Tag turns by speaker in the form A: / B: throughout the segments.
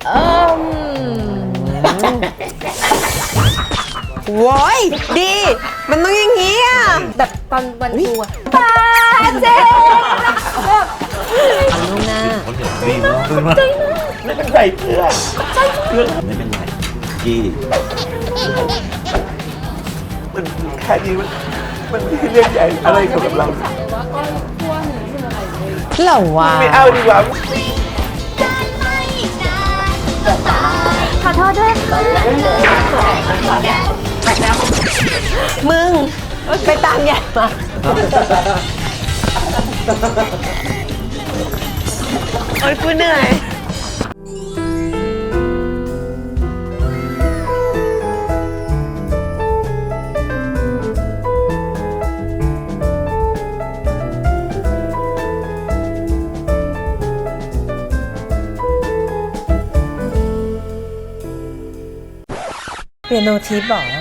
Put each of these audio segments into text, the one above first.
A: โว้ยดีมันต้องอย่างงี้อ่ะ
B: แบบตอนวันครูอะปาเจแบบ
A: ลูกหน้า
C: ดีมากไม่เป็นไรเพื่อนไม่เป็นไรกี้มันแค่นี้มันไม่ใช่เรื่องใหญ่อะไรกับเรา
A: เหรอวะ
C: ไม่เอาดีกว่า
B: ขอโทษด้วย
A: มึงไปตามใหญ่มาโอ๊ยกูเหนื่อยเปียโนทิปเหรอ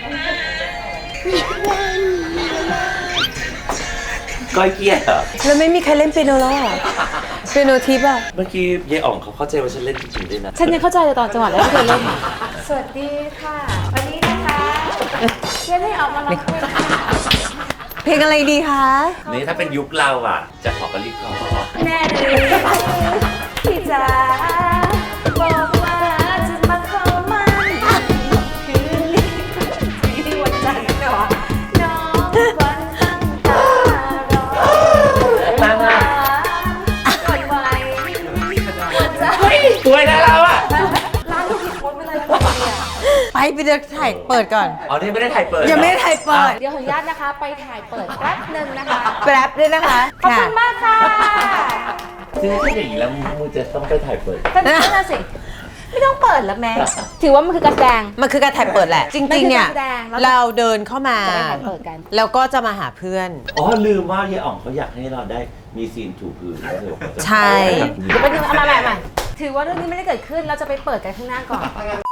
C: ก้อยเกียร์เหรอ
A: แล้วไม่มีใครเล่นเปียโนแล้วอ่ะเปียโนทิปอ่ะ
C: เมื่อกี้ยายอ่องเขาเข้าใจว่าฉันเล่นจริงๆด้วยนะ
B: ฉันยังเข้าใจเลยตอนจังหวะแรกที่เธอเล่นสวัสดีค่ะวันนี้นะคะเพื่อนให้ออกมาร้อง
A: เพลงอะไรดีคะ
C: นี่ถ้าเป็นยุคเราอ่ะจะขอกันรีบขอ
B: แม่ดีพี่จ๋าบอกว่าจะมาเข้ามันคืนนี้ที่วันจันทร์เนาะน้องวันตั้งตารอ
C: ตั้งอ่ะ
B: วันไหววันจะ
C: สวยนะเราอ่ะ
B: ร้านลูกผิดโพสไม่เลยแล้วเนี่ย
A: ไปเดินถ่ายเปิดก่อน
C: อ๋อนี่ไม่ได้ถ่ายเปิด
A: ยังไม่ได้ถ่ายเปิด
B: เดี๋ยวขออนุญาตนะคะไปถ่ายเปิดแป๊บนึงนะคะ
A: แป๊บด้วยนะคะ
B: ขอบคุณมากค่ะ
C: คือถ้าอย่างนี้แล้วมึงจะต้องไปถ่ายเปิด
B: นั่นน่ะสิไม่ต้องเปิดแล้วแม่ถือว่ามันคือการแสดง
A: มันคือการถ่ายเปิดแหละจริงๆเนี่ยเราเดินเข้ามาแล้วก็จะมาหาเพื่อน
C: อ๋อลืมว่ายายอ่องเขาอยากให้เราได้มีซีนถูพื้น
A: ใช่
B: เดี๋ยวไปดูเอามาใหม่ถือว่าเรื่องนี้ไม่ได้เกิดขึ้นเราจะไปเปิดกันข้างหน้าก่อน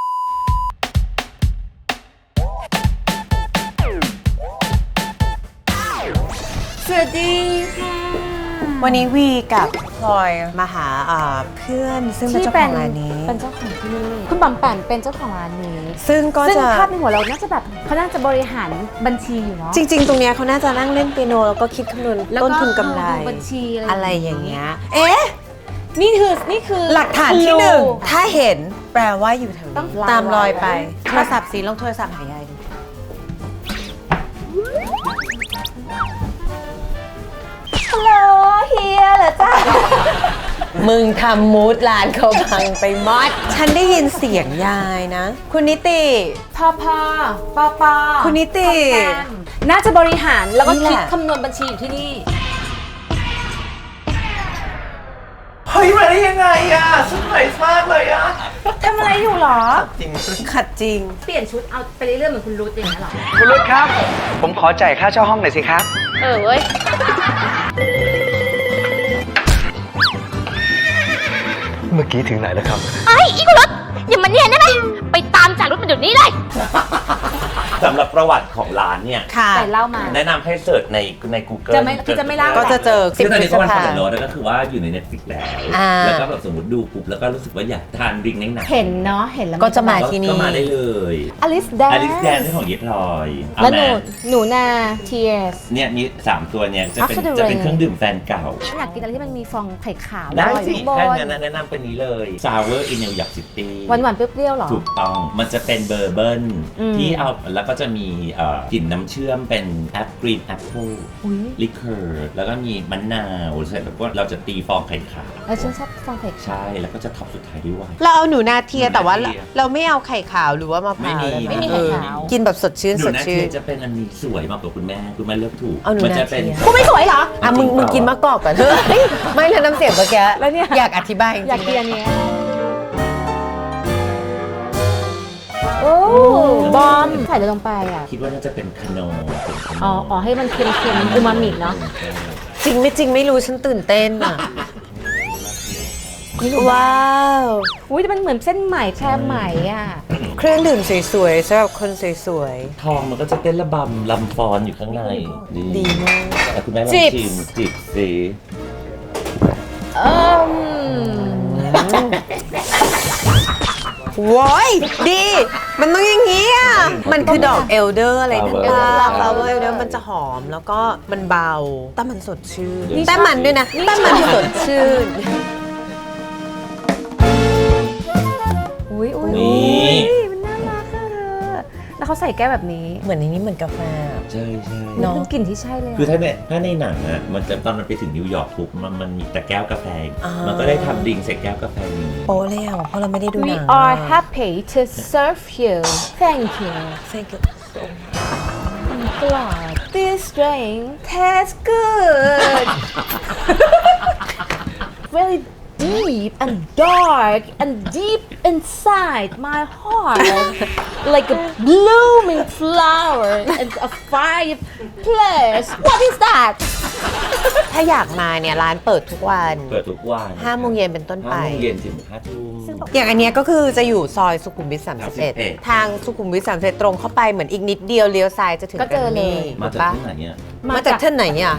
B: สวัสดีค่ะ
A: วันนี้วีกับพลอยมาหาเพื่อนซึ่งเป็นเจ้าของร้านนี้
B: เป็นเจ้าของที่นี่คุณบอมแปมเป็นเจ้าของร้านนี้
A: ซึ่ง
B: ภาพในหัวเราน่าจะแบบเขาน่าจะบริหารบัญชีอยู่เนาะ
A: จริงๆตรงเนี้ยเขาน่าจะนั่งเล่นเปียโนแล้วก็คิดคำนวณต้นทุนกำไร
B: บัญชี
A: อะไรอย่างเงี้ยเอ๊ะ
B: นี่คือ
A: หลักฐานที่หนึ่งถ้าเห็นแปลว่าอยู่แถวนี้ตามรอยไปโทรศัพท์สีลงโทรศัพท์หายาย
B: ฮัลโหลเฮียเหรอจ้า
A: มึงทำมูดร้านเขาพังไปมอดฉันได้ยินเสียงยายนะคุณนิติ
B: พ่อ
A: คุณนิติ
B: น่าจะบริหารแล้วก็คิดคำนวณบัญชีอยู่ที่นี่
C: เฮ้ยมาได้ยังไงอ่ะชุดใหม่มากเลยอ่ะ
B: ทำอะไรอยู่หรอ
C: จริง
A: ขัดจริง
B: เปลี่ยนชุดเอาไปเรื่อยๆเหมือนคุณรุทอย่างนั้นหรอ
D: คุณรุทครับผมขอจ่ายค่าเช่าห้องหน่อยสิครับ
B: เว้ย
D: เมื่อกี้ถึงไหนแล้วครับ
B: อีกุรุทอย่ามาเนียนได้ไหมไปตามจากรุทมาเดี๋ยวนี้เลย
C: สำหรับประวัติของร้านเนี่ย
B: แต่เล่ามา
C: แนะนำให้เสิร์ชใน Google
B: จะไม่เล่า
A: ก็จะเจอ
C: คือตอนนี้ก็วันผ่านโลดแล้วก็คือว่าอยู่ใน Netflix แล้วก็แบบสมมติดูปุ๊บแล้วก็รู้สึกว่าอยากทานดริงก์หนัก
B: เห็นเนาะเห็นแล้ว
A: ก็จะมาที่นี่
C: ก็มาได้เลย
B: อลิสแด
C: นที่ของเยพลอย
B: แล้วหนูนาเทียส
C: เนี่ยมี3ตัวเนี่ยจะเป็นเครื่องดื่มแฟนเก่า
B: อยากกินอะไรที่มันมีฟองไข่ขาว
C: ได้สิแค่นั้นแนะนำเป็นนี้เลย Sour in New York City
B: หวานเปรี้ยวๆหรอ
C: ถูกต้องมันจะเป็นเบอร์เบิร์นที่เอาแล้วก็จะมีกลิ่นน้ำเชื่อมเป็นกรีนแอปเปิลลิเคอร์แล้วก็มีมะนาวเสร็จแล้วก็เราจะตีฟองไข่ขาว
B: แล้วฉันชอบฟองไข่ขาว
C: ใช่แล้วก็จะท็อปสุดท้ายด้วยไวน์
A: เราเอาหนูนาเทียแต่ว่าเราไม่เอาไข่ขาวหรือว่ามะพร้าว
B: ไม่มีไข่ขาว
A: กินแบบสดชื่น
C: หนูนาเทียจะเป็นอันนี้สวยมากกว่าคุณแม่เลือกถูก
A: มัน
B: จะเป็นกูไม่สวยเหรอ
A: มึงกินมะกอกก่อนเถอะไม่เลยน้ำเสียงเมื่อกี้แล้วเนี่ยอยากอธิบาย
B: อยากกินอันนี้โอ้บอมใส่ลงไปอ่ะ
C: คิดว่าน่าจะเป็นคาโน
B: อ๋อให้มันเค็มๆอูมามิเนาะ
A: จริงไม่รู้ฉันตื่นเต้นอ่ะว้าว
B: อุ้ยมันเหมือนเส้นไหมแค่ไหมอ่ะ
A: เครื่องดื่มสวยๆสำหรับคนสวย
C: ๆทองมันก็จะเต้นระบำลำฟอนอยู่ข้างใน
A: ดีมาก
C: แต่คุณแม่ลองชิมจิบสิ
A: โว้ยดี มันต้องอย่างนี้อ่ะ มันคือดอกเอลเดอร์อะไรนั่นป่ะฟลาวเวอร์เอลเดอร์มันจะหอมแล้วก็มันเบาแต่มันสดชื่นแต่มันด้วยนะแต่มันสดชื่น
B: อุ้ย
C: นี่
B: มันน่ารักอะเธอแล้วเขาใส่แก้วแบบนี้
A: เหมือนในนี้เหมือนกาแฟ
C: ใช่ใช่
A: เนอะ
B: เป็นกลิ่นที่ใช่เลยอะ
C: คือถ้าในหนังอะมันจะตอนมันไปถึงนิวยอร์กปุ๊บมันมีแต่แก้วกาแฟ
A: อ่ามั
C: มันก็ได้ทำดริงก์ใส่แก้วกาแฟนี้
A: โอ้เลยอ่ะเพราะเราไม่ได้ดูห
B: We
A: นัง
B: are happy to serve you thank you
A: Thank you so
B: God this drink tastes good very deep and dark and deep inside my heart like a blooming flower and a fireplace what is that
A: ถ้าอยากมาเนี่ยร้านเปิดทุกวัน
C: เปิดทุกวัน
A: 5 โมงเย็นเป็นต้นไป
C: 5 โมงเย็นถึง 5 ทุ่ม
A: อย่างอันเนี้ยก็คือจะอยู่ซอยสุขุมวิท 31
C: 31
A: ทางสุขุมวิท 31 ตรงเข้าไปเหมือนอีกนิดเดียวเลี้ยวซ้ายจะถึง
B: ก็เจอเลย
C: มาจาก
A: ปะ
C: ที่ไหนเนี่ย
A: มาจากที่ไหนอ่ะ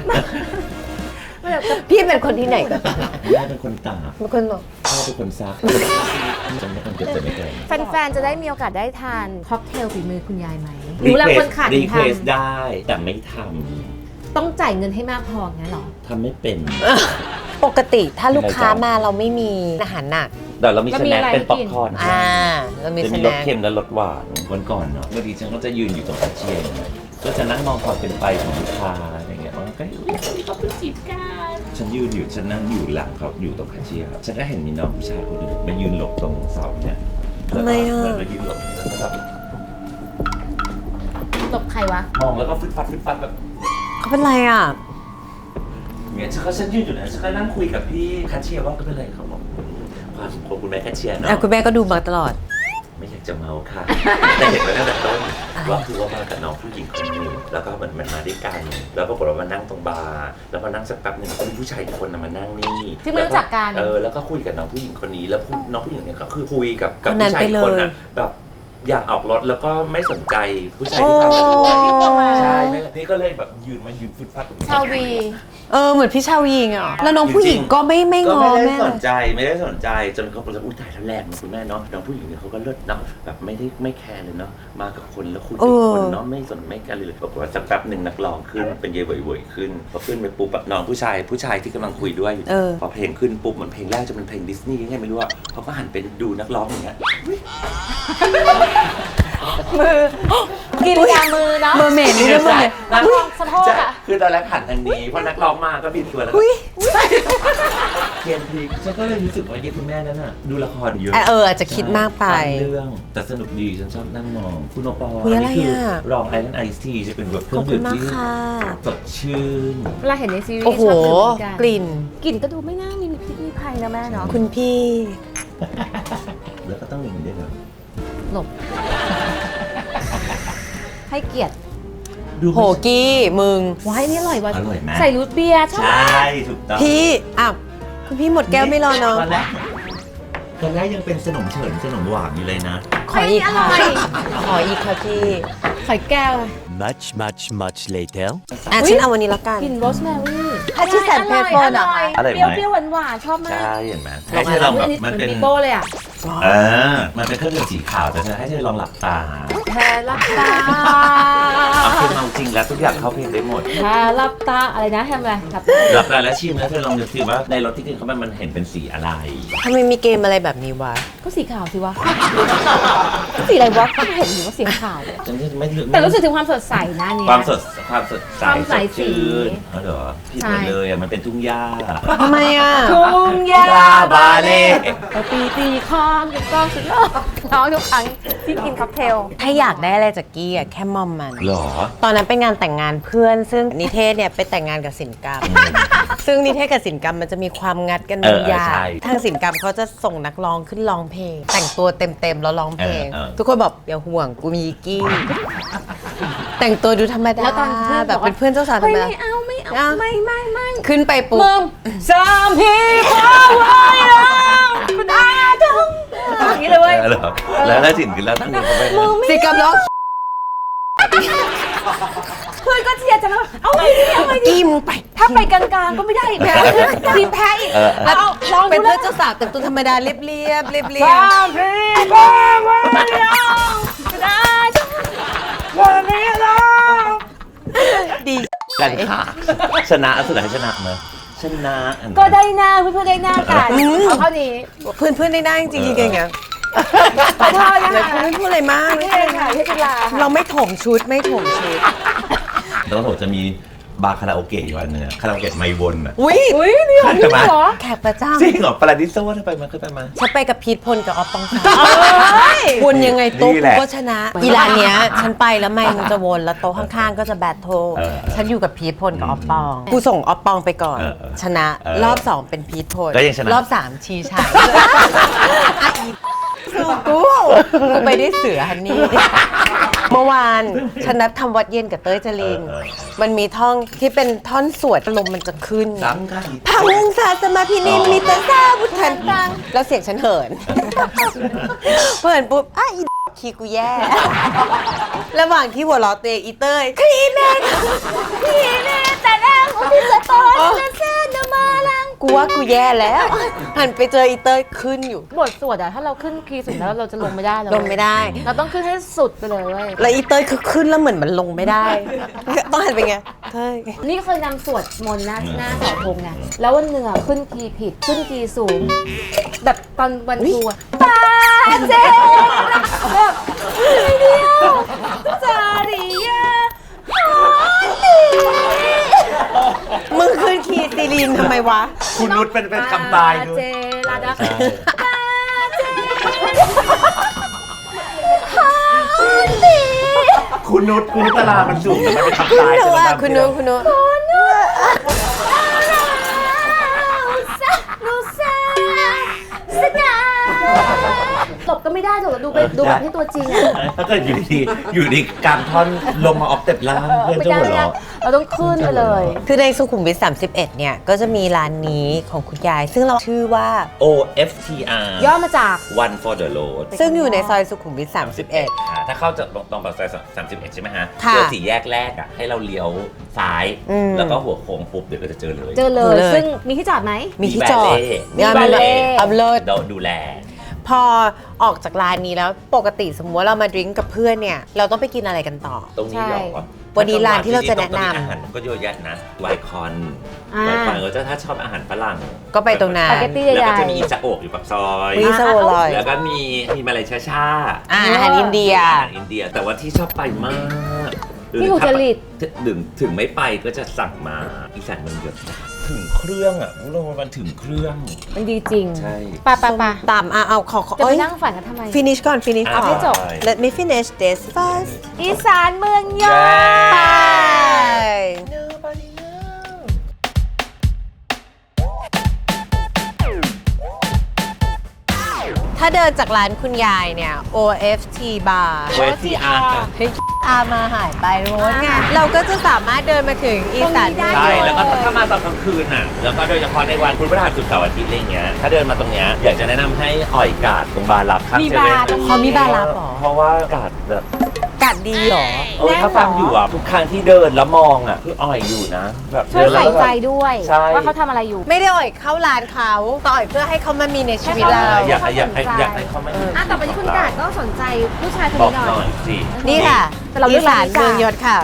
A: พี่เป็นคนที่ไหนกัน
C: แม่เป็นคนตาก
A: เป็นคนบอก
C: พ่อเป็นคนซักจำไม่คนเก็บแต่ไม่เกิน
B: แฟนๆ จะได้มีโอกาสได้ทานค็อกเทลฝีมือคุณยายไหมรู้แล้วคนขาด
C: รี
B: ท
C: เควสได้แต่ไม่ท
B: ำต้องจ่ายเงินให้มากพองั้นเหรอ
C: ำทำไม่เป็น
A: ปกติถ้าลูกค้ามาเราไม่มีอาหารหนัก
C: แต่เรามี
B: แล้ว
C: ส
B: มี
C: แน็ค
B: อะไร
C: เป็นป๊อป
B: กิน
C: คอร์น
A: เรามี
C: จะ
A: ส
C: มีร
A: แน็
C: ส
A: ค
C: เค็มและรสหวานวันก่อนเนาะบางทีฉันก็จะยืนอยู่ตรงแคชเชียร์ก็จะนั่งมองความเป็นไปของลูกค้าอะไรเงี้ยมันก็เขาเป็นจีบกันฉันยืนอยู่ฉันนั่งอยู่หลังเขาอยู่ตรงแคชเชียร์ฉันก็เห็นมีน้องผู้ชายคนหนึ่งมายืนหลบตรงเสาเนี่ย
A: ทำไมอ่ะ
C: แล้วก็ยืนหลบแล้วก็แบบ
B: ตบใครวะ
C: มองแล้วก็ฟึดฟัดแบบ
A: เขาเป็นไรอ่ะ
C: เงี้ยฉันยืนอยู่นะฉันก็นั่งคุยกับพี่แคชเชียร์ว่าก็เป็นไรเขาบอกความสุขของคุณแม่แคชเชียร์เนาะ
A: คุณแม่ก็ดูมาตลอด
C: ไม่อยากจะเมาค่ะ แต่เห็นมาตั้งแต่ต้นว่าคือว่ามากับน้องผู้หญิงคนหนึงแล้วก็มันมาด้วยกัน แล้วปรากฏว่ามานั่งตรงบาร์แล้วพอนั่งสักแป๊บหนึ่งก็มีผู้ชายอีกคนน่ะมานั่งนี่
B: ที่ไม่รู้จักกัน
C: แล้วก็คุยกับน้องผู้หญิงคนนี้แล้วน้องผู้หญิงเนี่ยก็คือคุยกับ
A: คนนั้น
C: ผู้ชายอีกคน
A: ไปเลย
C: น่ะแบบอยากออกรถแล้วก็ไม่สนใจผู้ชายที่ตามมาด้วย
B: โอ้
C: ใช่นี่ก็เลยแบบยืนฟึดฟัด
B: ชาววี
A: เหมือนพี่ชาวยิงอ่ะ แล้วน้องผู้หญิงก็ไม่ง
C: ก็
A: อ
C: ไม่ได้
A: แม่
C: สนใจจนเขาบอกว่าอุ้ยตายแล้วแรงนะคุณแม่เนาะน้องผู้หญิงเนี่ยเขาก็เลิศเนาะแบบไม่แคร์เลยเนาะมากับคนแล้วคุยกับคนเนาะไม่สนไม่กันเลยปรากฏว่าสักแป๊บหนึ่งนักร้องขึ้นเป็นเยยเวยๆขึ้นพอขึ้นไปปุ๊บแบบน้องผู้ชายที่กำลังคุยด้วยอยู่พอเพลงขึ้นปุ๊บมันเพลงแรกจะเป็นเพลงดิสนีย์ยังไงไม่รู้อะเขาก็หันไปดูนักร้องอย่างเงี้ย
B: กินยามือเนาะ
A: เมอร์เมดนี่ด้วยเมอร์เมด
B: นักร้องสะโพก
C: ใช่
B: อะ
C: คือตอนแรกหันทางนี้พอนักร้องมาก็บิดตัวแล้ว
A: อุ้ย
C: เกมพลิกฉันก็เลยรู้สึกว่ายี่คุณแม่นั้นน่ะดูละครเยอะ
A: อาจจะคิดมากไป
C: เรื่องแต่สนุกดีฉันชอบนั่งมองคุณโอปอล์
A: อุ๊ยอะไร
C: นี่คื
A: อะ
C: รองไอรอนไอซ์ทีจะเป็นแบบเค
A: ข
C: รื่
A: อ
C: อบ ง
A: คุ
C: ดื่
A: ณ
C: ม
A: มาก
C: ที่
A: ค่ะ
C: สดชื่น
B: เวลาเห็นในซีรีส์
A: โอ้โห
B: ชอบดื่มเหมือนกัน
A: กลิ่น
B: กลิ่นก็ดูไม่น่ามีพิษมีภัยนะแม่เนาะ
A: คุณพี่
C: แล้วก็ต้องอย่างนี้ด้วยนะ
B: หลบ ให้เกียรติ
C: ดู
A: โหกี้มึง
B: ว้ายนี่อร่อยว่ะ
C: อร่อยไหม
B: ใส่รูทเบียร์ชอบ
C: ใช่ถูกต้อง
A: พี่คุณพี่หมดแก้วไม่รอเนาะ
C: ตอนแรกยังเป็นขนมเฉินขนมหวานอยู่เลยนะ
A: ขออีกค่ะ
B: อร่อย
A: ขออีกค่ะพี่
B: ใส่แก้ว
E: Much later.
A: ฉันเอาวันนี้ละกัน
B: กลิ่นโรสแมรี่
A: ถ้าที่แสนเพชรโฟนเหรอคะ
C: อร่อยไหม
B: เปรี้ยวๆหวานๆชอบมาก
C: ใช่เห็นไหมให้เธอลองแบบ
B: เห
C: มัน
B: มือน
C: เป็น
B: ปีโป้เลยอ่ะ
C: มันเป็นเครื่องดื่มสีขาวแต่เธอให้เธอลองหลับตา
B: แพ้รับตา
C: เอาคือเอาจริงแล้วทุกอย่างเข้าเพลงได้หมด
B: แพ้รับตาอะไรนะทำอะไรรับ
C: หลับตาแล้วชิมแล้วเธอลองนึกสิว่าในรสที่กินเข้าไปมันเห็นเป็นสีอะไร
A: ทำไมมีเกมอะไรแบบนี้วะ
B: ก็สีขาวสิวะก็สีอะไรวะก็เห็นอยู่ว่าสีขาวเลย
C: ฉันไม่รู้
B: แต่รู้สึกถึงความสดใสนะเนี่ย
C: ความสดใส
B: ความใส
C: สดชื่น
B: สี
C: อ๋อเหรอผิดหมดเลยอ่ะมันเป็นทุ่งหญ้า
A: ทำไมอ่ะ
B: ทุ่งหญ้า
C: บาเล่
B: ตีคอนถูกต้องสุดยอดร้องทุกครั้งที่กินค็อกเทล
A: ถ้าอยากได้อะไรจากกี้แค่มอมมัน
C: หรอ
A: ตอนนั้นเป็นงานแต่งงานเพื่อน ซึ่งนิเทศเนี่ยไปแต่งงานกับศิลปกรรม ซึ่งนิเทศกับศิลปกรรมมันจะมีความงัดกันบางอย่าง
C: ใช่
A: ทางศิลปกรรมเขาจะส่งนักร้องขึ้นร้องเพลง แต่งตัวเต็มๆแล้วร้องเพลง ทุกคนบอกอย่าห่วงกูมีกี้ แต่งตัวดูธรรมดา
B: แล้วตอนเพื่อน
A: แบบเป็นเพื่อนเจ้าสาวธร
B: เฮ้ย
A: รมดา
B: ไม่เอาไม่
A: ขึ้นไปปุ๊บ
B: มึงสามพี่ฟ้าไว้แล้วคุณอาจงอย่างนี้เลยเว้ย
C: เหรอแล้วถ้าจินขึ้นแล้วตั้งนี้เขาไป
A: ศิลปกรรมร้อง
B: เพื่อนก็เชียร์จังเลยเอาไงดีเอาไงดี
A: อีมึงไป
B: ถ้าไปกลางๆก็ไม่ได้อีกนะทีมแพ้อีก
A: แล้ว
B: ลอง
A: เป็น
B: ดู
A: เพื่
B: แล้
A: อ
B: วน
A: เจ้าสาวแต่งตัวธรรมดาเรียบๆเรียบ
B: พี่บ้าวันนี้ได้วันนี้เรา
A: ๆดี
C: กันค่ะชนะสุดท้ายชนะมั้ยชนะ
B: ก็ได้หน้าเพื่อนๆได้หน้ากันเอาเท่านี้
A: เพื่อนๆได้จริงๆอย่างเงี้ย
B: ขอโทษนะ
A: แล้ว
B: คะ
A: ไม่พูดอะไรมาก
B: ไม่เป็นไรค่ะพี่จุฬาค่ะ
A: เราไม่ถมชุดไม่ถมชุด
C: แล้วผมจะมีบาร์คาราโอเกะอยู่อันนึงอะคาราโอเกะไมวนอ่ะ
A: อุ้ย
B: อุ้ยนี่ของพี่เหรอ
A: แขกประจ
C: จริงเหรอปาราดิโซ่ถ้าไปมาเคยไปมา
A: ำฉันไปกับพีทพลกับออฟปองศักดิ์
B: เฮ้ย
A: วนยังไงโต๊ะ
C: นี่แหละ
A: ก็ชนะ อีร้านเนี้ยฉันไปแล้วไม่มันจะวนแล้วโต๊ะข้างๆก็จะแบทเทิล
C: เออ
A: ฉันอยู่กับพีทพลกับออฟปองกูส่งออฟปองไปก่อน ชนะ รอบ 2 เป็นพีทพล
C: ก็ยังชนะ
A: รอบ 3 ชีชัยกูไปได้เสือฮันนี่ เมื่อวานฉันนัดทำวัดเย็นกับเต้ยจริน มันมีท่องที่เป็นท่อนสวดลมมันจะขึ้น
C: ซ้ำกัน
A: พระองค์ศาสมาพินิมมิตรซาบุตรันตังแล้วเสียงฉันเหินเหินปุ๊บอ่ะอีคีย์กูแย่ ระหว่างที่หัวเราะตัวเองอีเต้ยคีย์แม่
B: พี่นี่แต่แรกของพี่จะโตจะเส้นจะมาลัง
A: กูว่ากูแย่แล้ว หันไปเจออีเต้ยขึ้นอยู่
B: บทสวดอะถ้าเราขึ้นคีย์สุดแล้วเราจะลงไม่ได้เลย
A: ลงไม่ได้
B: เราต้องขึ้นให้สุดไปเลยเว้ย
A: แล้วอีเต้ยคือขึ้นแล้วเหมือนมันลงไม่ได้ ต้องหันไปไงเต้ย
B: นี่เคยนำสวดมนต์หน้าเสาธงไงแล้ววันหนึ่งอะขึ้นคีย์ผิดขึ้นคีย์สูง แบบตอนวันครูอะตาเจ๊แบบไม่เดียวจาริยาฮอนดี
A: มึงขึ้นคีย์ซีรีนทำไมวะ
C: คุณนุชเป็นคำตายด้ว
B: เจ
C: ย
B: ลาดา
C: ใช่
B: ตาเจฮอนดี
C: คุณนุชตลามันสูงแต่มันเป็นคำ
A: คุณ
C: ตาย
A: หนู
C: แต่
A: อ่ะ
C: มัน
A: คุณหนูคุณหนู
B: หลบก็ไม่ได้หรอกดูแบบที่ตัวจริงอะ
C: ถ้าเกิดอยู่ดีกลางท่อนลงมาออฟเต็ปล่างเพื่อน
B: ไม่
C: จะ
B: ได้
C: หัว
B: ไม่ได้
C: เราะ
B: เราต้องขึ้นไปเลย
A: คือในสุขุมวิท31เนี่ยก็จะมีร้านนี้ของคุณยาย ซึ่งเราชื่อว่า
C: OFTR
B: ย่อมาจาก
C: One for the road
A: ซึ่งอยู่ในซอยสุขุมวิท31
C: ค่ะถ้าเข้าจากตรงปากซอย31 ใช่ไหมฮะ
A: ค่ะ
C: เจอสี่แยกแรกอ่ะให้เราเลี้ยวซ้าย
A: อืม
C: แล้วก็หัวโค้งปุ๊บเดี๋ยวก็จะเจอเลย
B: เจอเลย
A: เลย
B: ซึ่งมีที่จอดไหม
A: มีที่จอด
B: มีบาเล่
A: อัพโหลด
C: ดูแล
A: พอออกจากร้านนี้แล้วปกติสมมติว่าเรามาดริ้งกับเพื่อนเนี่ย เราต้องไปกินอะไรกันต่อ
C: ตรงนี้เหรอ
A: วันนี้ร้านที่เราจะแนะนำ
C: อาหารมันก็เยอะแยะนะไวคอน
B: อ่า
C: ไวคอนก็จะถ้าชอบอาหารฝรั่ง
A: ก็ไปตรงนั้น
B: สปาเกตตี้
C: แล้ว
B: ให
C: ก็
B: ญ่
C: จะมีอิซาโอะอยู่ปากซอย
A: วิซาโอลอย
C: แล้วก็มีมาเลยชา
A: อาหารอินเดีย
C: อาหารอินเดีย แต่ว่าที่ชอบไปมาก
B: ที่อุตรดิตถ์
C: ถึงไม่ไปก็จะสั่งมาอีสานมันเยอะถึงเครื่องอ่ะพวกเรามันถึงเครื่อง
B: มันดีจริง
C: ใช่
B: ปะ
A: ตามเอาขอ
B: จะ
A: เอ้
B: ไป
A: ย
B: นั่งฝันกันทำไม
A: finish ก่อน finish ก่อน
B: ให้จบ
A: let me finish this first
B: อีสานเมืองยอ
A: ไป ถ้าเดินจากร้านคุณยายเนี่ย OFT bar
C: OFTR
A: เฮ้ยอามาหายไปโรสไงเราก็จะสามารถเดินมาถึงอีสานเมือง
C: ใช่
A: ยนต์
C: แล้วก็ถ้ามาตอนกลางคืนน่ะ แล้วก็โดยเฉพาะในวันพุธพฤหัสศุกร์เสาร์อาทิตย์อะไรเงี้ย ถ้าเดินมาตรงเนี้ยอยากจะแนะนำให้อ่อยกาดตรงบาร์ลับข้าง
B: มี
C: เซเว่น
B: บาร์ตรงนี้
A: เขามีบาร์ลับเหรอ
C: เพราะว่ากาดแบบ
A: กัดดีเหรอ
C: ถ้าฟังอยู่อ่ะทุกครั้งที่เดินแล้วมองอ่ะคืออ่อยอยู่นะ แบบ
B: ช่วย
C: เดินแล้
B: ใส่
C: วแบบ
B: ใจด้วย
C: ใช่
B: ว่าเขาทำอะไรอยู่
A: ไม่ได้อ่อยเข้าร้านเขาต่อยเพื่อให้เขามามีในชีวิตเรา
C: อยากให้เขาไม่
B: ต่อไปที่คุณกาดก็สนใจผู้ชายคน
C: บอก
B: นี้ห
C: ห
B: น่
C: น่
B: อ
C: อย ยสิ
A: นี่ค่ะ
B: แต่เราเลื
A: อี
B: อก
A: สา
B: ร้าน
A: น
B: นี้จ้ะ
A: เมืองยศค่ะ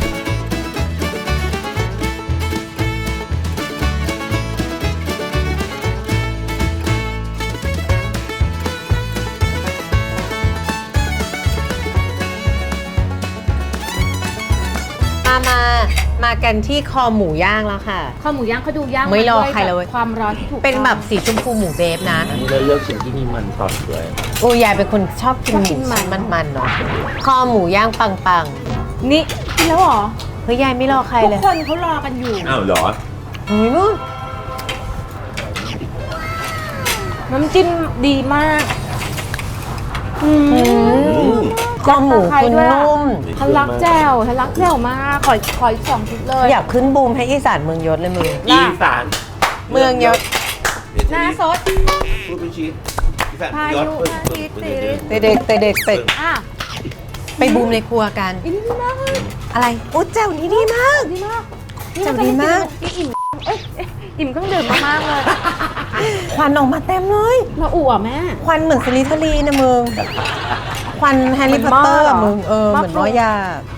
A: มากันที่คอหมูย่างแล้วค่ะ
B: ข้าวหมูย่างเขาดูย่าง
A: ไม่รอ
B: ด้วย
A: ใครเลยเว้ย
B: ความร้อนที่ถูก
A: เป็นแบบสีชมพูหมูเบฟนะ
C: อันนี้เราเลือกชิ้นที่มีมันตอนเลย
A: โอ้ยายเป็นคนชอบกินหมูมันๆเนาะคอหมูย่างปัง
B: นี่กินแล้วเหรอ
A: ๆเฮ้ยยายไม่รอใคร
B: ทุก
A: เลย
B: คนเขารอกันอยู่
C: อ้าวเหรอ
A: เฮ้ยนู่น
B: น้ำจิ้มดีมาก
A: คอหมูคุณนุ่ม
B: ทะลักแจ่วทะลักแจ่วมากขออีก2ชุดเลย
A: อยากขึ้นบูมให้อีสานเมืองยศเลยมึง
C: อีสาน
A: เมืองยศ
B: หน้าซด
C: พูดเป็นชีสอีสาน
B: พายุ
C: ยอด
B: พาทิตย์
A: เด็กๆตึก
B: อ่ะ
A: ไปบูมในครัวกัน
B: อันนี้ดีมากเลย
A: อะไรโอ้แจ่วนี้ดีมาก
B: ดีมาก
A: แจ่วดีมาก
B: นี่อิ่มอิ่มเครื่องดื่มมากๆเลย
A: ควันออกมาเต็มเลย
B: มาอู่อ่ะแม่
A: ควันเหมือนสลิทลีนะมึง ควันแฮร์รี่พอตเตอร์อะมึงเหมือนน้อยยา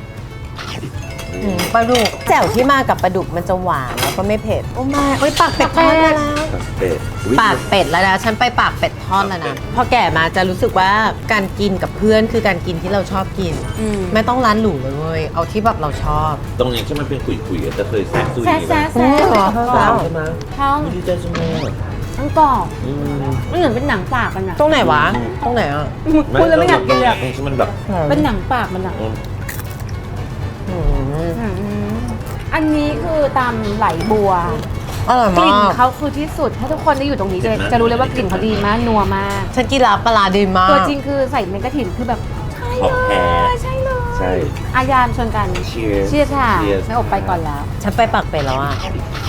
A: ปลาดุกแจ่วที่มากับปลาดุกมันจะหวานแล้วก็ไม่เผ็ด โอ้ไม่โอ้ยปากเป็ดทอดมาแล้ว
C: เป็ดอุ๊ย
A: ปากเป็ดแล้วนะฉันไปปากเป็ดทอดแล้วนะพอแก่มาจะรู้สึกว่าการกินกับเพื่อนคือการกินที่เราชอบกิน ไม่ต้องร้านหรูเลยเว้ยเอาที่แบบเราชอบ
C: ตรงนี้ที่มันเป็นขุยๆจะเคยแซะซุย
B: แซ่แซ่แซ่
A: เหรอ
C: ใช่ไหม
B: ท้อง
C: ไม่ได้ใจจังเลย
B: ทั้งกรอบ
C: อืม
B: ไม่เหมือนเป็นหนังปากมันอ่ะ
A: ตรงไหนวะตรงไหนอ่ะ
B: พูดแล้วไม่อยากกินเลยอะ
C: ที่มันแบบ
B: เป็นหนังปากมันอ่ะ
C: อืม
B: อันนี้คือตำไหลบัว
A: อร่อย
B: กลิ่น
A: มาก
B: เขาคือที่สุด ถ้าทุกคนได้อยู่ตรงนี้จะรู้เลยว่ากลิ่นเขาดีมากนัวมาก
A: ฉันกินลาปลาร้าดีมาก
B: ตัวจริงคือใส่เมกะถิ่นคือแบบใช่
C: ของ
B: เล
C: แท้
B: ยใช่เลย
C: ใช่
B: อายามชวนกัน
C: Cheers
B: เชียร์ค่ะ
C: Cheers
B: ไม่อบไปก่อนแล้ว
A: ฉันไปปากเป็ดแล้วอ่ะ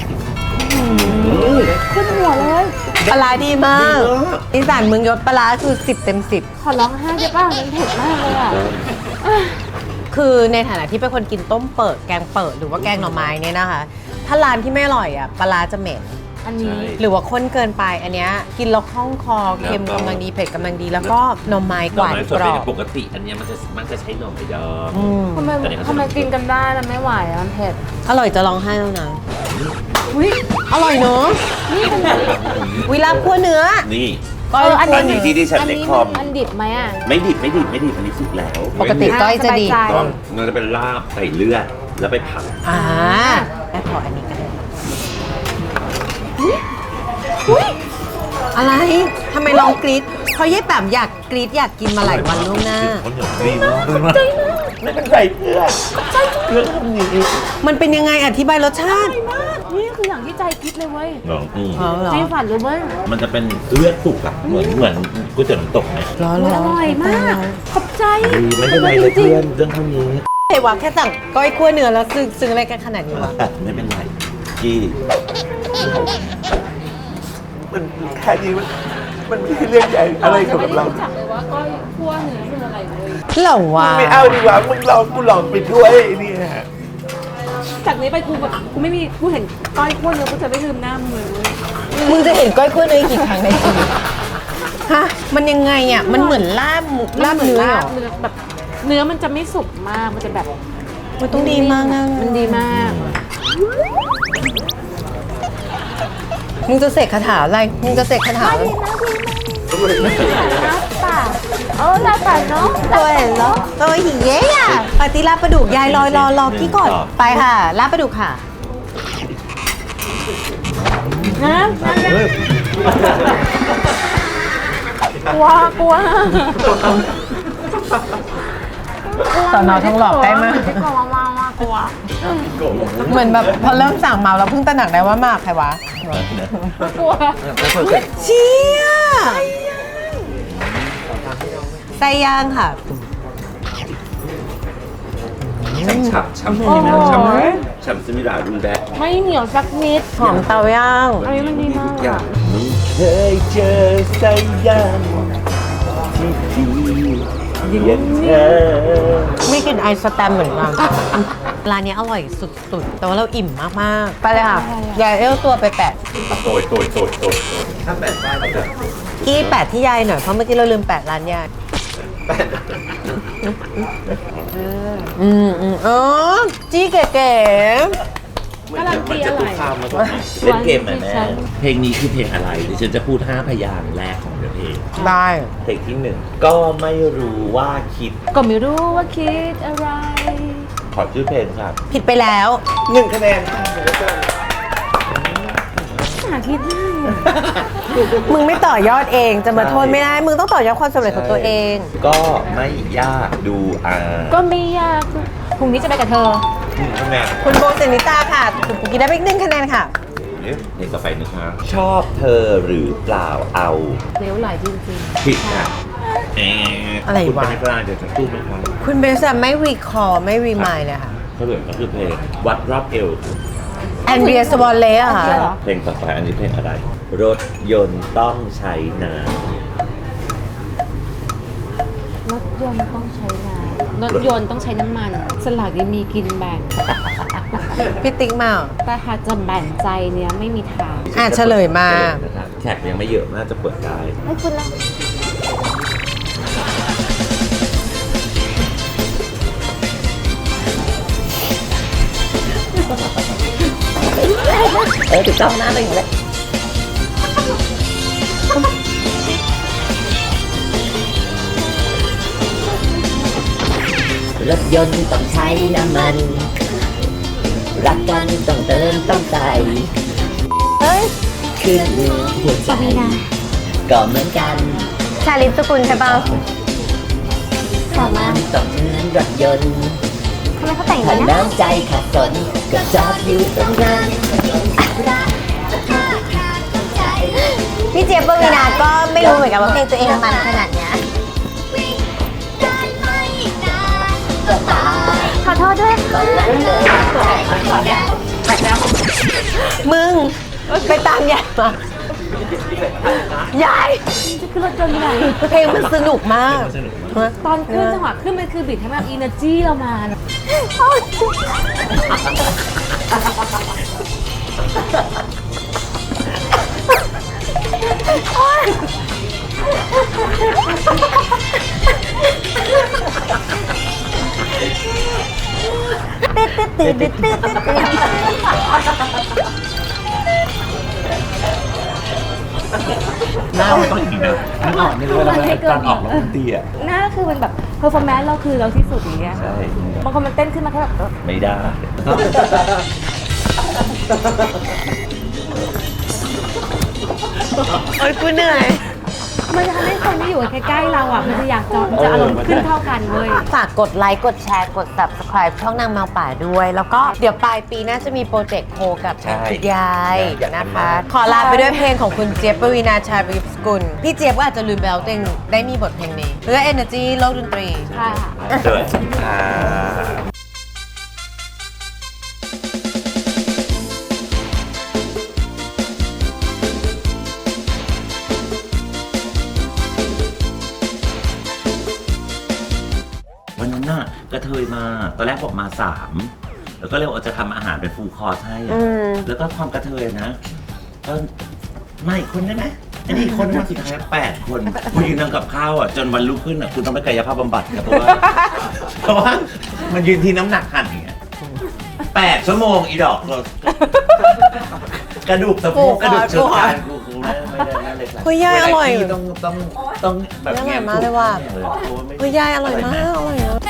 B: ขึ้นหัวเลย
A: ปลาร้าดีมากอีสานเมืองยศปลาร้าคือ10 เต็ม
B: ขอร้องไห้ได้ป่ะมันเผ็ดมากเลยอ่ะ
A: 10 คือในฐานะที่เป็นคนกินต้มเปิดแกงเปิดหรือว่าแกงหน่อไม้เนี่ยนะคะ ถ้าร้านที่ไม่อร่อยอ่ะปลาร้าจะเหม็น
B: อันนี้
A: หรือว่าข้นเกินไปอันเนี้ยกินแล้วคล่องคอเค็มกำลังดีเผ็ดกำลังดี แล้วก็หน่อไม้
C: ห
A: ก
C: น่อ
A: วาน
C: ไม้ส
A: ก
C: ด
A: รอ
C: เนี่ย
A: บ
C: ปกติอันเนี้ยมันจะใช้หน่อไม้ดอง
A: อืม
B: ทำไมกินกันได้แล้วไม่ไหวอะมันเผ็ด
A: อร่อยจะร้องไห้แล้วนะ
B: อุ้ย
A: อร่อยเนอะ
B: นี่เป็น
A: วิลาบคั่วเนื้อ
C: นี่
A: ก้อย
B: อัน
A: คั่ว
B: นี้
A: เนื้อ
C: ที่ดิฉัน
B: อัน
C: เล็ก
B: นี้
C: คอม
B: มันดิบไหมอ่ะ
C: ไม่ดิบอันนี้สุกแล้ว
A: ปกติก้อยจะดี
B: สบายใจ
C: ต้องมันจะเป็นลาบใส่เลือดแล้วไปผัด
A: แม่ขออันนี้ก็ได้อะไรทำไมลองกรี๊ดเพราะเย่แบบอยากกรี๊ดอยากกินมาหลายวันล่วงหน้า
C: เขาเหนียวดีมากไม่เป็นไรเพื่อนเพื่อนทำนี้
A: มันเป็นยังไงอธิบายรสชาติ
B: นี่คืออย่างที่ใจคิดเลยเว้ย
C: ลองอืม
A: อ๋อเหรอ
B: ใจฝันเลยเว้ย
C: มันจะเป็นเลือดสุกอะเหมือนก๋วยเตี๋ยวน้ำตกไหม
A: ร้อน
B: อุ๊ย
A: ร้
B: อ
A: อน
B: ร่อยมาก ขอบใจ
C: ไม่เป็นไรเลยเพื่อนเรื่องเท่านี้
A: เฮ้ยวะแค่สั่งก้อยคั่วเนื้อแล้วซึ้งอะไรกันขนาดนี้วะ
C: ไม่เป็นไรกี้มันแค่นี้มันไม่ใช่เรื่องใหญ่อะไรสำหรับเรา
B: ไม่ได้รู้จักเลยว่าก้อยคั่วเนื้อคืออะไรเลย
A: เหรอวะ
C: ไม่เอาดีกว่ามึงลองกูลองไปด้วยเนี่ย
B: จากนี้ไปกูแบบกูไม่มีกูเห็นก้อยคั่วเนื้อกูจะไม่ลืมหน้ามึงเลยเว้ย
A: มึงจะเห็นก้อยคั่วเนื้อกี่ครั้งในชีวิตฮะมันยังไงอ่ะมันเหมือนลาบหมูลาบเนื้อเหรอ
B: ลาบเนื้อแบบเนื้อมันจะไม่สุกมากมันจะแบบ
A: มันต้องดีมากนะ
B: มันดีมาก
A: มึงจะเสกคาถาอะไรมึงจะเสกคาถาอะไร
B: ลาบป่าลาบป่าเนาะ
A: ตัวเห็นแล้วตัวหิเย่อะปฏิลาบปลาดุกยายรอพี่ก่อนไปค่ะลาบปลาดุกค่ะ
B: นะกลัว
A: สอนอทองหล่อใกล้มาก
B: กลัวมากกลัว
A: เหมือนแบบพอเริ่มสั่งเมาแล้วเพิ่งตระหนักได้ว่ามากใครวะ
B: กลัว
A: เชี่ยไส้ย่างค่ะ
C: ฉ่ำ
B: โอ้โห
C: ฉ่ำสมิดารุนแรง
B: ไม่เหนียวสักนิด
A: หอมเตาย่าง
B: อันนี้มันดีมาก
C: อย่างไม่เคยเจอไส้ย่างที่ดีอย่างเธอ
A: ไม่กินไอสแตมเหมือนกัน ร้านนี้อร่อยสุดๆ แต่ว่าเราอิ่มมากๆ ไปเลยค่ะยายเอลตัวไปแปะ
C: โตยถ้าแปดบ้านเราจะ
A: กี้แปะที่ยายหน่อย เพราะเมื่อกี้เราลืมแปะร้านยายอ๋อจี้เก๋
B: การันตีอะไร
C: เล่นเกมไหมแม่เพลงนี้คือเพลงอะไรเดี๋ยวฉันจะพูด5พยางค์แรกของเพลง
A: ๆได้
C: เพลงที่ 1 ก็ไม่รู้ว่าคิด
B: ก็ไม่รู้ว่าคิดอะไร
C: ขอชื่อเพลงครับ
A: ผิดไปแล้ว
C: 1 คะแนนค่ะ
B: หาคิดได้
A: มึงไม่ต่อยอดเองจะมาโทษไม่ได้ มึงต้องต่อยอดความสำเร็จของตัวเอง
C: ก็ไม่ยากดู
B: ก็ไม่ยากพรุ่งนี้จะไปกับเธอ
C: 1 คะแนน
A: คุณโบเซนิตาค่ะคุณปุกกี้ได้ไปอีก1 คะแนนค่ะ
C: เพลงต่อไปนะคะชอบเธอหรือเปล่าเอา
B: เลี้ยวไหลจริง
C: ผิดค่ะ
A: อะไรวะ
C: คุณเป็นกลางเดี๋ยวจะตู้ไหมครับ
A: คุณเบสอะไม่รีคอร์ไม่รีมายเลยค่ะ
C: เฉลยก็คือเพลงวัดรอบเอว
A: แอนเดรียสวอลเล่อะค่ะ
C: เพลงต่อไปอันนี้เพลงอะไร รถยนต์ต้องใช้น้
B: ๆรถยนต์ต้องใช้น้ำรถยนต์ต้องใช้น้ำมัน สลากยังมีกินแบ่ง
A: พี่ติ๊กมาเหรอ
B: แต่หากจะแบ่งใจเนี้ยไม่มีทาง
A: เฉลยมา
C: แขกยังไม่เยอะน่าจะเปิดได้
B: ให้คุณละ
F: ถูกต้องหน้าเลยอยู่เลยรถยนต์ต้องใช้น้ำมัน รักกันต้องเติมต้องใส่
G: เฮ้ย
F: ขึ้นหัวใจก็เหมือนกัน
G: ชาลิปสกุลใช่ป่ะสามารถ
F: ต้องเหมือนรถยนต์
G: ทำไมเขาแต่งอ
F: ถ้า
G: ย่างนี้นะ
F: น้ำใจขาดสนก็จอดอยู่ตรงนั้น
G: พี่เจี๊ยบปวีนาก็ไม่รู้เหมือนกันว่าเพลงตัวเองมันขนาดเนี้ยขอโทษด้วย
A: มึง ไปตามยายมา ยาย
B: จะขึ้นรถยนต์ไปไหน
A: เพลงมันสนุกมาก
B: ตอนขึ้นจังหวะขึ้นมันคือบิดให้แบบอินเนอร์จีเรามานะ
C: หน้ามันต้องอย่างนี้นะนึกออกนึกว่าเราตอนออกแล้วมันตีอ่ะ
B: หน้าคือมันแบบเพอร์ฟอร์แมนซ์เราคือเราที่สุดอย่างเงี้ย
C: ใช่
B: บางคนมันเต้นขึ้นมาแค่แบบ
C: ไม่ได้
A: โอ๊ยกูเหนื่อย
B: มันจะทำให้คนที่อยู่ใกล้ๆเราอ่ะมันจะอยากจอดมันจะอารมณ์ขึ้นเท่ากันเว้ย
A: ฝากกดไลค์ กดแชร์ กด subscribe ช่องนางแมวป่าด้วย แล้วก็เดี๋ยวปลายปีน่าจะมีโปรเจกต์โคกับ
C: ใช่
A: คุณยาย
C: อยาก
A: นะ
C: ทำ
A: คะ
C: มาก
A: ขอลาไปด้วยเพลงของคุณเจี๊ยบปวีนาชาลิปสกุล พี่เจี๊ยบก็อาจจะลืมไปแล้วตัวเองได้มีบทเพลงนี้เพื่อ energy โลกดนตรี
B: ใช่ค่ะ
C: เดินอ่า วันนั้นน่ะกระเทยมาตอนแรกบอกมา 3 แล้วก็เลยว่าจะทำอาหารเป็นฟูลคอร์สให้อะแล้วก็ความกระเทยนะก็มาอีกคนได้ไหมอันนี้อีกคนมาสุดท้าย8 คนคุณยืนทำกับข้าวอ่ะจนวันรุ่งขึ้นอ่ะคุณต้องไปกายภาพบำบัดครับเพราะว่ามันยืนที่น้ำหนักหันอย่างเงี้ย8 ชั่วโมงอีดอกกระดูกสะโพกกระดูกเชิงกรานกูไม่ได้นั่นเลย
A: เฮ้ยยายอร่อย
C: ต้องแบบ
A: อร่อยมากเลยว่ะ
C: เพราะว่าไม่
A: เฮ้ยยายอร่อยมาก อร่อยมาก